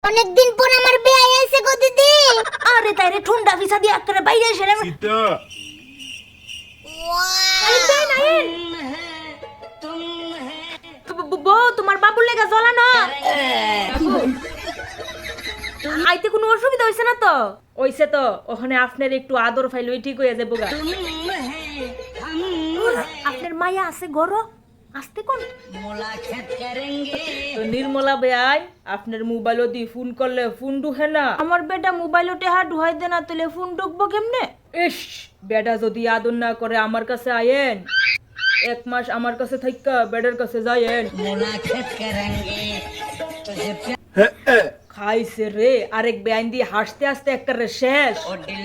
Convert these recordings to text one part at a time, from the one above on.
অনেকদিন পর আমার বিয়ে আইছে গো দিদি। আরে তাইরে ঠুন্ডা ভিসা দিয়ে একটা বাইরে এসে রে সীতা বউ তোমার বাবুর লেগে জ্বলানো আইতে কোনো অসুবিধা হইছে না তো? হইছে তো, ওখানে আপনার একটু আদর ফাইলই ঠিক হয়ে যাবো গা। আপনার মায়া আছে গরো আসতে কোন তো নির্মলা বেআই আপনার মোবাইলও দি ফোন করলে ফোন ঢুকে না। আমার বেটা মোবাইলও টেহা ঢুকাই দে না তুলে ফোন ঢুকবো কেমনে? ইস বেটা যদি আদর না করে আমার কাছে আয়েন, এক মাস আমার কাছে থাইকা বেডের কাছে যায়েন। খাইছে রে আরেক বেআইন দিয়ে হাসতে হাসতে একটা রে শেষ।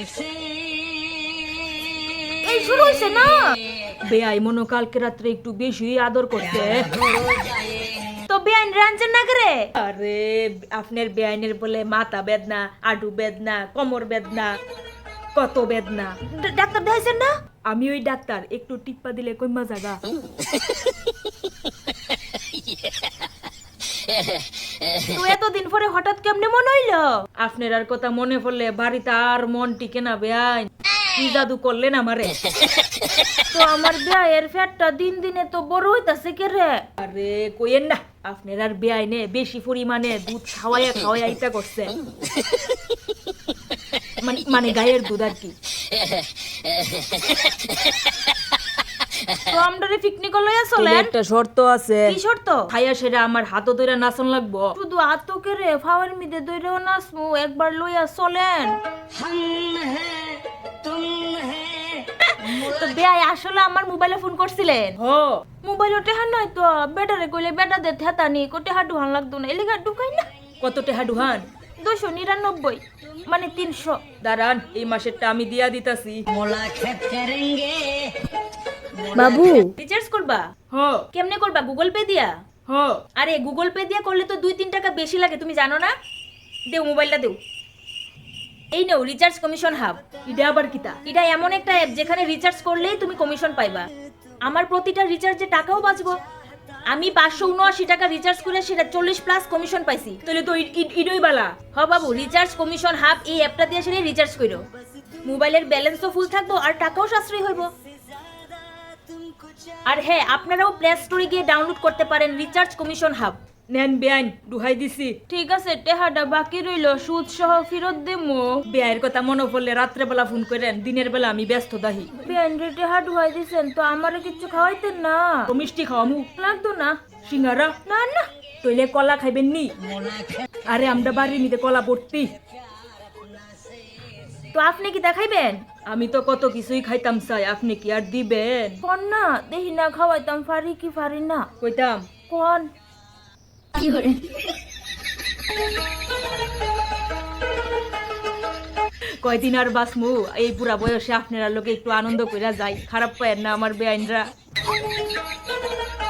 এই শুরু হইছে না বেআই মনো কালকে রাত্রে একটু বেশি আদর করতে তো বেআইন রাঞ্জন না করে। আরে আপনার বেআইনের বলে মাথা বেদনা, আডু বেদনা, কোমর বেদনা, কত বেদনা। ডাক্তার দেখাইছেন না? আমি ওই ডাক্তার, একটু টিপ্পা দিলে কইমা জাগা। তো এতদিন পরে হঠাৎ কেমনে মনে হইলো? আপনার আর কথা মনে পড়লে বাড়িতে আর মন টিকে না বেআইন। কি জাদু করলেন আমারে? তো আমার বেআইয়ের ফ্যাটটা দিন দিনে তো বড় হইতাছে কে রে? আরে কইেন না, আপনার আর বেআইনে বেশি পরিমাণে দুধ খাওয়াইয়া আইতা করছে। মানে গায়ের দুধ আর কি। তো আমরারে পিকনিক লইয়া চলেন। একটা শর্ত আছে। কি শর্ত? খাইয়া সেরা আমার হাতও ধইরা নাচন লাগবো। শুধু হাতও কেরে ফাওয়ার মিদে ধইরাও নাচমু, একবার লইয়া চলেন। তো বেআই আসলে আমার মোবাইলে ফোন করছিলেন? হ মোবাইলে টেহা নাই তো, বেটারে কইলে বেটা দে থেতানি কো টেহা ঢুহান লাগতো না, এলিগা ঢুকাই না। কত টেহা ঢুহান? 299 মানে 300। দাঁড়ান এই মাসেরটা আমি দিয়া দিতাছি। বাবু রিচার্জ করবা? হ। কেমনে করবা? গুগল পে দিয়া? হ। আরে গুগল পে দিয়া করলে তো 2-3 টাকা বেশি লাগে, তুমি জানো না? দেও মোবাইলটা দেও। এই নাও রিচার্জ কমিশন হাব। এটা আবার কিতা? এটা এমন একটা অ্যাপ যেখানে রিচার্জ করলেই তুমি কমিশন পাইবা। আমার প্রতিটা রিচার্জে টাকাও বাঁচবো। আমি 579 টাকা রিচার্জ করে সেটা 40+ কমিশন পাইছি। তাহলে তো ইডই বালা। হ বাবু, রিচার্জ কমিশন হাব এই অ্যাপটা দিয়ে সেটা রিচার্জ কইরো। মোবাইলের ব্যালেন্সও ফুল থাকবো আর টাকাও সাশ্রয় হইব। আর হ্যাঁ, আপনারাও প্লে স্টোরে গিয়ে ডাউনলোড করতে পারেন রিচার্জ কমিশন হাব। নেন বেআইন, দুহাই দিছি। ঠিক আছে, টেহাটা বাকি রইল, সুদ সহ ফেরত দেমু। বেআইয়ের কথা মনে পড়লে রাত্রে বেলা ফোন করেন, দিনের বেলা আমি ব্যস্ত দাহি। বেআইন রে টেহা দুহাই দিছেন তো আমারে কিছু খাওয়াইতেন না? মিষ্টি খাওয়ামু। লাগতো না। সিঙ্গারা? না না। তইলে কলা খাইবেন নি? আরে আমরা বাড়ির নিতে কলা ভর্তি। তো আপনি কি দেখাইবেন? আমি তো কত কিছুই খাইতাম চাই, আপনি কি আর দিবেন? কোন না দেহি না খাওয়াইতাম, ফারি কি ফারি না কইতাম কোন। কয়দিন আর বাসমু, এই পুরা বয়সে আপনারা লোকে একটু আনন্দ কইরা যাই। খারাপ পায়েন না আমার বেআইনরা।